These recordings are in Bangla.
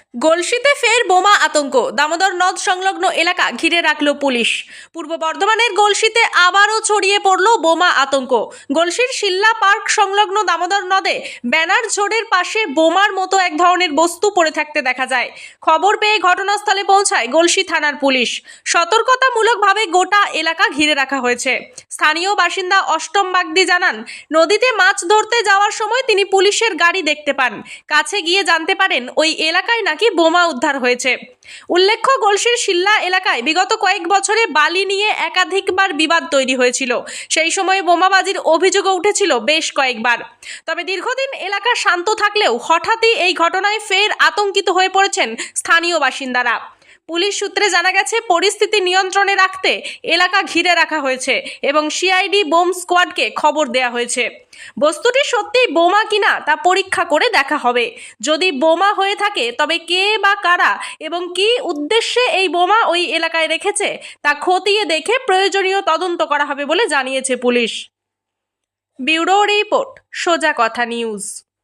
গলসিতে ফের বোমা আতঙ্ক, দামোদর নদ সংলগ্ন এলাকা ঘিরে রাখল পুলিশ। পূর্ব বর্ধমানের গলসিতে আবারও ছড়িয়ে পড়ল বোমা আতঙ্ক। গলসির শিল্লা পার্ক সংলগ্ন দামোদর নদে ব্যানার ঝোড়ের পাশে বোমার মতো এক ধরনের বস্তু পড়ে থাকতে দেখা যায়। খবর পেয়ে ঘটনাস্থলে পৌঁছায় গলসি থানার পুলিশ। সতর্কতামূলকভাবে গোটা এলাকা ঘিরে রাখা হয়েছে। স্থানীয় বাসিন্দা অষ্টম বাগদি জানান, নদীতে মাছ ধরতে যাওয়ার সময় তিনি পুলিশের গাড়ি দেখতে পান। কাছে গিয়ে জানতে পারেন ওই এলাকায় নাকি বোমা উদ্ধার হয়েছে। উল্লেখ্য, গলসির শিল্লা এলাকায় বিগত কয়েক বছরে বালি নিয়ে একাধিকবার বিবাদ তৈরি হয়েছিল। সেই সময় বোমাবাজির অভিযোগও উঠেছিল বেশ কয়েকবার। তবে দীর্ঘদিন এলাকা শান্ত থাকলেও হঠাৎই এই ঘটনায় ফের আতঙ্কিত হয়ে পড়েছেন স্থানীয় বাসিন্দারা। পুলিশ সূত্রে জানা গেছে, পরিস্থিতি নিয়ন্ত্রণে রাখতে এলাকা ঘিরে রাখা হয়েছে এবং সিআইডি বোম স্কোয়াডকে খবর দেওয়া হয়েছে। বস্তুটি সত্যিই বোমা কিনা তা পরীক্ষা করে দেখা হবে। যদি বোমা হয়ে থাকে তবে কে বা কারা এবং কী উদ্দেশ্যে এই বোমা ওই এলাকায় রেখেছে তা খতিয়ে দেখে প্রয়োজনীয় তদন্ত করা হবে বলে জানিয়েছে পুলিশ। ব্যুরো রিপোর্ট, সোজা কথা নিউজ।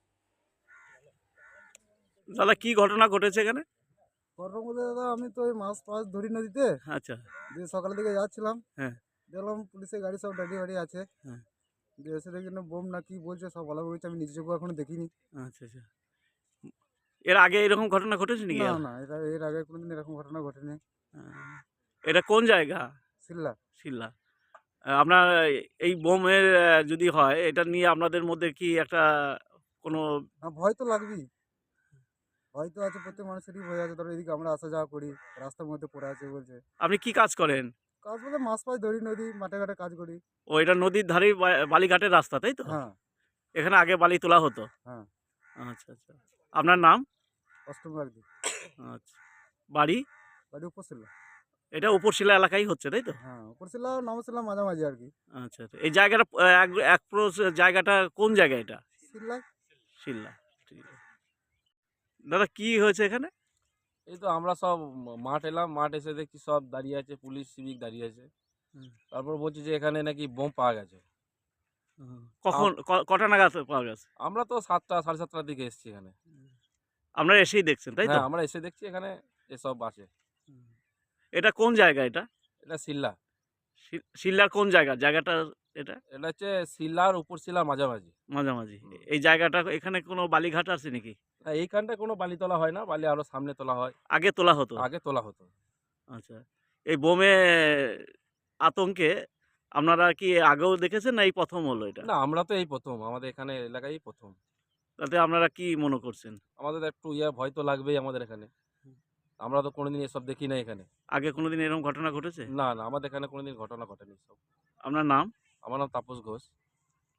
দাদা কি ঘটনা ঘটেছে এখানে? ঘটনা বলতে দাদা, আমি তো ওই মাছ ধরি নদীতে। আচ্ছা। দিয়ে সকালের দিকে যাচ্ছিলাম, হ্যাঁ। দেখলাম পুলিশের গাড়ি সব দাঁড়িয়ে বাড়ি আছে। হ্যাঁ। দিয়ে এসে দেখি না বোম না কি বলছে, সব বলা বলছে, আমি নিজে চোখে এখনো দেখিনি। আচ্ছা আচ্ছা। এর আগে এরকম ঘটনা ঘটেছে নাকি? না না, এর আগে কোনোদিন এরকম ঘটনা ঘটেনি। এটা কোন জায়গা? শিল্লা। শিল্লা। আপনার এই বোমের যদি হয়, এটা নিয়ে আপনাদের মধ্যে কি একটা কোনো ভয় তো লাগবেই, ভয় তো আছে, প্রত্যেক মানুষেরই ভয় আছে। ধরো এদিকে আমরা আসা যাওয়া করি, রাস্তার মধ্যে পড়ে আছে বলছে। আপনি কি কাজ করেন? কাজ বলতে মাছ ধরি নদী, মাঠে ঘাটে কাজ করি। ও, এটা নদীর ধারেই বালিঘাটের রাস্তা, তাই তো? হ্যাঁ এখানে আগে বালি তোলা হতো? হ্যাঁ। আচ্ছা আচ্ছা। আপনার নাম? অষ্টম একদিন। আচ্ছা। বাড়ি? বাড়ি উপশিল্লা। এটা উপরশিলা এলাকায় হচ্ছে, তাই তো? হ্যাঁ, উপশিল্লা নমশিল্লা মাঝামাঝি আর কি। আচ্ছা আচ্ছা। এই জায়গাটা জায়গাটা কোন জায়গা এটা? শিল্লায়। শিল্লা। ঠিক আছে। দাদা কি হয়েছে এখানে? এই তো আমরা সব মাঠ এলাম, মাঠ এসে দেখছি সব দাঁড়িয়ে আছে, পুলিশ সিভিক দাঁড়িয়ে আছে। তারপর বলছি যে এখানে নাকি বোম পাওয়া গেছে। কখন কটা নাগাদ পাওয়া গেছে? আমরা তো 7টা 7:30টার দিকে এসেছি এখানে। আপনারা এসেই দেখছেন, তাই তো? হ্যাঁ, আমরা এসে দেখছি এখানে এসব আছে। এটা কোন জায়গা এটা? এটা শিল্লা। শিল্লার কোন জায়গা? জায়গাটা এটা এটা হচ্ছে শিল্লার উপর শিল্লার মাঝামাঝি। মাঝামাঝি। এই জায়গাটা এখানে কোনো বালিঘাট আছে নাকি? না, এইখানটায় কোনো বালি তোলা হয় না, বালি আরো সামনে তোলা হয়। আগে তোলা হতো? আগে তোলা হতো। আচ্ছা। এই বোমে আতঙ্কে আপনারা কি আগেও দেখেছেন না এই প্রথম হলো এটা? না, আমরা তো এই প্রথম, আমাদের এখানে এলাকায় প্রথম। তাতে আপনারা কি মনে করছেন? আমাদের একটু ভয় তো লাগবেই আমাদের এখানে। আমরা তো কোনোদিন এসব দেখি না এখানে। আগে কোনোদিন এরকম ঘটনা ঘটেছে? না না, আমাদের এখানে কোনোদিন ঘটনা ঘটেনি সব। আপনার নাম? আমার নাম তাপস ঘোষ।